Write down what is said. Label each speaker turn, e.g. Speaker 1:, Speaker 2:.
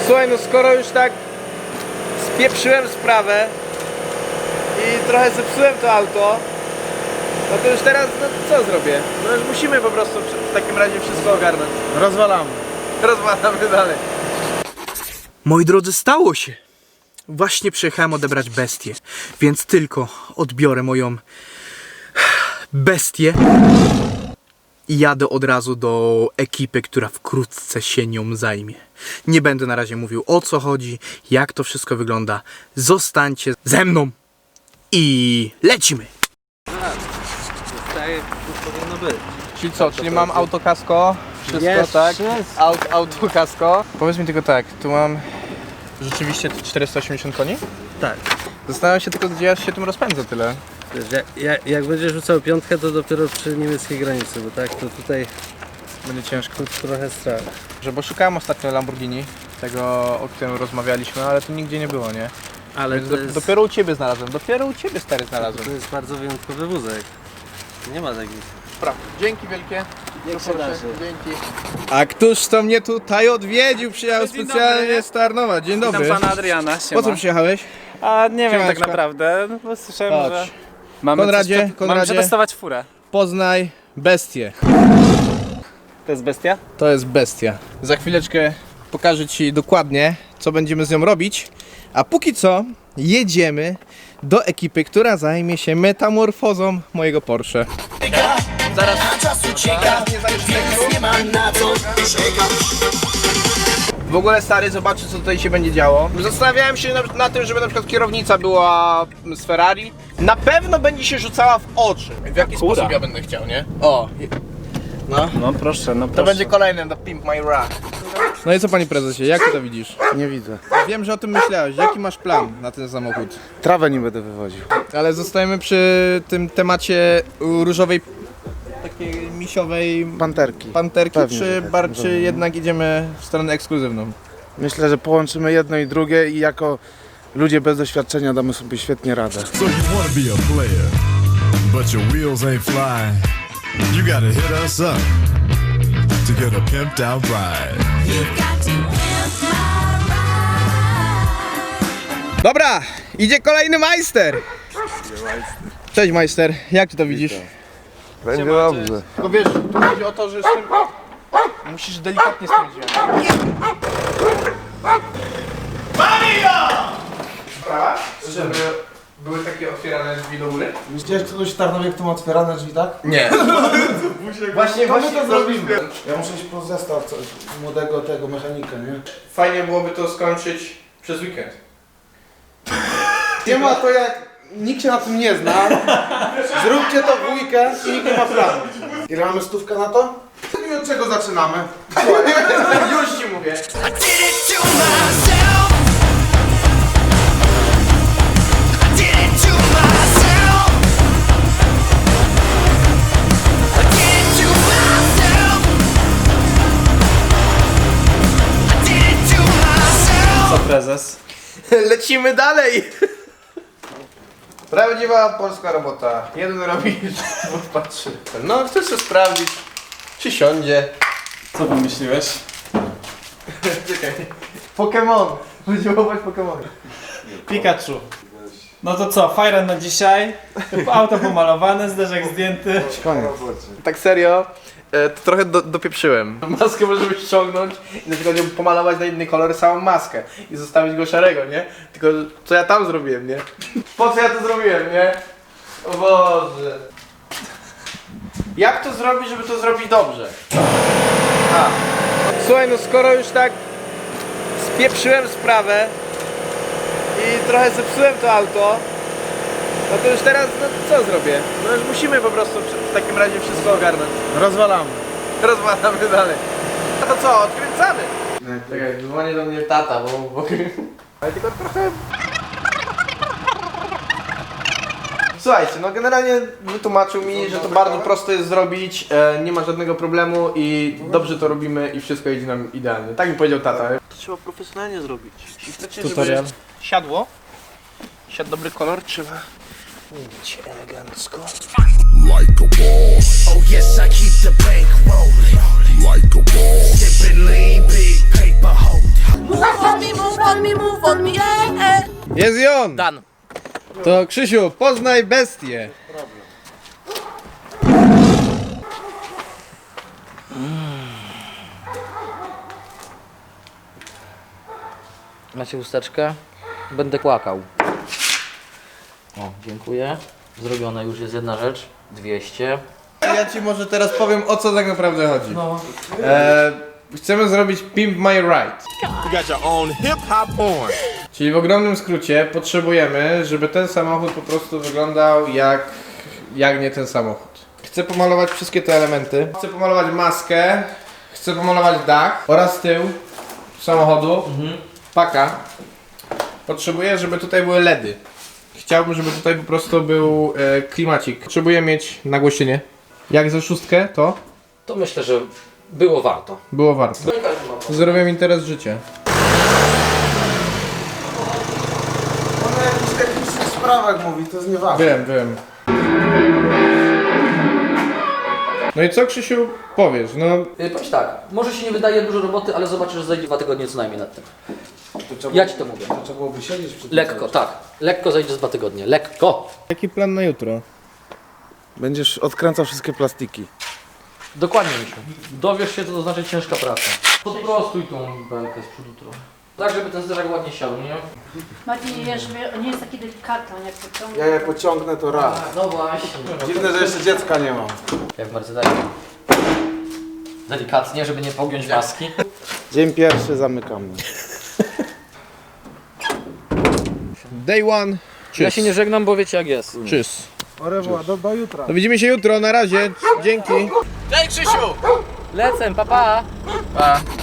Speaker 1: Słuchaj, no skoro już tak spieprzyłem sprawę i trochę zepsułem to auto, no to już teraz, no co zrobię? No już musimy po prostu w takim razie wszystko ogarnąć.
Speaker 2: Rozwalamy dalej.
Speaker 3: Moi drodzy, stało się. Właśnie przyjechałem odebrać bestię, więc tylko odbiorę moją bestię i jadę od razu do ekipy, która wkrótce się nią zajmie. Nie będę na razie mówił, o co chodzi, jak to wszystko wygląda. Zostańcie ze mną i lecimy!
Speaker 2: Tak jak powinno być.
Speaker 1: Czyli co, czyli mam autokasko, wszystko tak? Autokasko. Powiedz mi tylko tak, tu mam rzeczywiście 480 koni?
Speaker 2: Tak.
Speaker 1: Zastanawiam się tylko, gdzie ja się tym rozpędzę tyle.
Speaker 2: Wiesz, jak będziesz rzucał piątkę, to dopiero przy niemieckiej granicy, bo tak, to tutaj
Speaker 1: Będzie ciężko.
Speaker 2: trochę strach.
Speaker 1: Bo szukałem ostatnio Lamborghini, tego o którym rozmawialiśmy, ale tu nigdzie nie było, nie?
Speaker 2: Ale
Speaker 1: Więc
Speaker 2: to jest,
Speaker 1: dopiero u Ciebie znalazłem, dopiero u Ciebie stary
Speaker 2: to
Speaker 1: znalazłem.
Speaker 2: jest bardzo wyjątkowy wózek. Nie ma takich.
Speaker 1: Prawda. Dzięki wielkie.
Speaker 2: Jak się
Speaker 1: Proszę,
Speaker 2: darzy.
Speaker 1: dzięki. A któż to mnie tutaj odwiedził? Przyjechał specjalnie z Tarnowa. Dzień dobry.
Speaker 4: Witam pana Adriana, siema.
Speaker 1: Po co przyjechałeś?
Speaker 4: A nie wiem
Speaker 1: Siemaneczko.
Speaker 4: tak naprawdę, no, bo słyszałem,
Speaker 1: Chodź.
Speaker 4: że mamy,
Speaker 1: Konradzie,
Speaker 4: mamy
Speaker 1: Konradzie.
Speaker 4: przetestować furę.
Speaker 1: Poznaj bestię.
Speaker 4: To jest bestia?
Speaker 1: To jest bestia. Za chwileczkę pokażę Ci dokładnie, co będziemy z nią robić. A póki co jedziemy do ekipy, która zajmie się metamorfozą mojego Porsche. Zaraz nie zajmiesz tego. W ogóle stary, zobaczcie co tutaj się będzie działo. Zastanawiałem się na tym, żeby na przykład kierownica była z Ferrari. Na pewno będzie się rzucała w oczy. W jaki sposób ja będę chciał, nie? O. No.
Speaker 4: No proszę, no
Speaker 1: To
Speaker 4: proszę.
Speaker 1: będzie kolejny do Pimp My Ride. No i co panie prezesie, jak ty to widzisz?
Speaker 5: Nie widzę.
Speaker 1: Wiem, że o tym myślałeś. Jaki masz plan na ten samochód?
Speaker 5: Trawę nie będę wywoził.
Speaker 1: Ale zostajemy przy tym temacie różowej, takiej misiowej
Speaker 5: Panterki.
Speaker 1: panterki,
Speaker 5: Pewnie, że tak.
Speaker 1: czy jednak idziemy w stronę ekskluzywną?
Speaker 5: Myślę, że połączymy jedno i drugie i jako ludzie bez doświadczenia damy sobie świetnie radę.
Speaker 6: So you wanna be a player, but your wheels ain't flying. You gotta hit us up to get a pimped out ride.
Speaker 1: Dobra, idzie kolejny majster! Cześć majster, jak ty to widzisz?
Speaker 5: Będzie dobrze.
Speaker 1: Tylko wiesz, tu chodzi o to, że z tym... Musisz delikatnie z tym wziąć. Sprawa? Żeby były takie otwierane drzwi do góry?
Speaker 7: Widziałeś kogoś w Tarnowie, kto ma otwierane drzwi, tak?
Speaker 1: Nie. Właśnie
Speaker 7: to zrobimy. Ja muszę iść po zestaw młodego tego mechanika, nie?
Speaker 1: Fajnie byłoby to skończyć przez weekend.
Speaker 7: Nie ma to jak nikt się na tym nie zna. Zróbcie to w weekend i nikt nie ma planu. Ile mamy stówkę na to? I od czego zaczynamy?
Speaker 1: Już ci mówię.
Speaker 4: Co prezes?
Speaker 1: Lecimy dalej. Prawdziwa polska robota. Jeden robi, dwóch patrzy. No, chcę sobie sprawdzić, czy siądzie.
Speaker 4: Co wymyśliłeś?
Speaker 1: Czekaj. Pokémon. Będziemy łować Pokémony.
Speaker 4: Pikachu. No to co, fajren na dzisiaj, auto pomalowane, zderzak zdjęty.
Speaker 1: Tak serio, to trochę dopieprzyłem. Maskę możemy ściągnąć i na przykład ją pomalować na inny kolor, samą maskę i zostawić go szarego, nie? Tylko co ja tam zrobiłem, nie? Po co ja to zrobiłem, nie? O Boże. Jak to zrobić, żeby to zrobić dobrze? Słuchaj, no skoro już tak spieprzyłem sprawę i trochę zepsułem to auto, no to już teraz, no co zrobię? No już musimy po prostu w takim razie wszystko ogarnąć.
Speaker 5: Rozwalamy.
Speaker 1: Rozmawiamy dalej. No to co, odkręcamy? Czekaj, dzwoni do mnie tata, bo... Ale tylko trochę... Słuchajcie, no generalnie wytłumaczył mi, że to bardzo prosto jest zrobić, nie ma żadnego problemu i dobrze to robimy i wszystko idzie nam idealnie. Tak mi powiedział tata. To trzeba profesjonalnie zrobić. Jeśli chcecie, żeby siadło, siadł dobry kolor, trzeba mieć elegancko.
Speaker 6: Like a boss.
Speaker 8: Oh yes, I keep the bank rolling.
Speaker 6: Like a boss.
Speaker 8: Sipping lean, big paper holder.
Speaker 1: Jest i on!
Speaker 2: Dan.
Speaker 1: To Krzysiu, poznaj bestię.
Speaker 8: Macie chusteczkę? Będę płakał. O, dziękuję. Zrobiona już jest jedna rzecz. 200.
Speaker 1: Ja ci może teraz powiem, o co tak naprawdę chodzi.
Speaker 8: No.
Speaker 1: Chcemy zrobić Pimp My Ride.
Speaker 6: You got your own hip-hop porn.
Speaker 1: Czyli w ogromnym skrócie potrzebujemy, żeby ten samochód po prostu wyglądał jak nie ten samochód. Chcę pomalować wszystkie te elementy. Chcę pomalować maskę, chcę pomalować dach oraz tył samochodu, paka. Potrzebuję, żeby tutaj były LEDy. Chciałbym, żeby tutaj po prostu był klimacik. Potrzebuję mieć nagłośnienie. Jak za 6 to
Speaker 8: To myślę, że było warto.
Speaker 1: było warto. Zrobiłem interes życia.
Speaker 7: On o jakichś technicznych sprawach mówi, to jest nieważne.
Speaker 1: Wiem. No i co, Krzysiu, powiesz? No,
Speaker 8: Powiem tak, może się nie wydaje dużo roboty, ale zobaczysz, że zajdzie 2 tygodnie co najmniej nad tym. Ja ci to mówię.
Speaker 7: To trzeba byłoby siedzieć przy tym
Speaker 8: Lekko,
Speaker 7: cały
Speaker 8: tak. Lekko zajdzie z 2 tygodnie. Lekko.
Speaker 1: jaki plan na jutro?
Speaker 5: Będziesz odkręcał wszystkie plastiki.
Speaker 8: Dokładnie, Misiu. Dowiesz się, co to znaczy ciężka praca. Podprostuj tą belkę z przodu trochę. Tak, żeby ten zderzak ładnie siadł, nie?
Speaker 9: Marcin, żeby nie jest taki delikatny, jak to ciągnie.
Speaker 5: Ja je pociągnę to raz.
Speaker 8: No właśnie.
Speaker 5: Dziwne, że jeszcze dziecka nie mam.
Speaker 8: Jak w Mercedesie. Delikatnie, żeby nie pogiąć maski.
Speaker 5: Dzień pierwszy zamykamy.
Speaker 1: Day one.
Speaker 8: Ja się nie żegnam, bo wiecie jak jest.
Speaker 1: Tschüss.
Speaker 5: Au revoir, do jutra.
Speaker 1: To widzimy się jutro, na razie. Dzięki.
Speaker 8: Lecę, papa! Pa.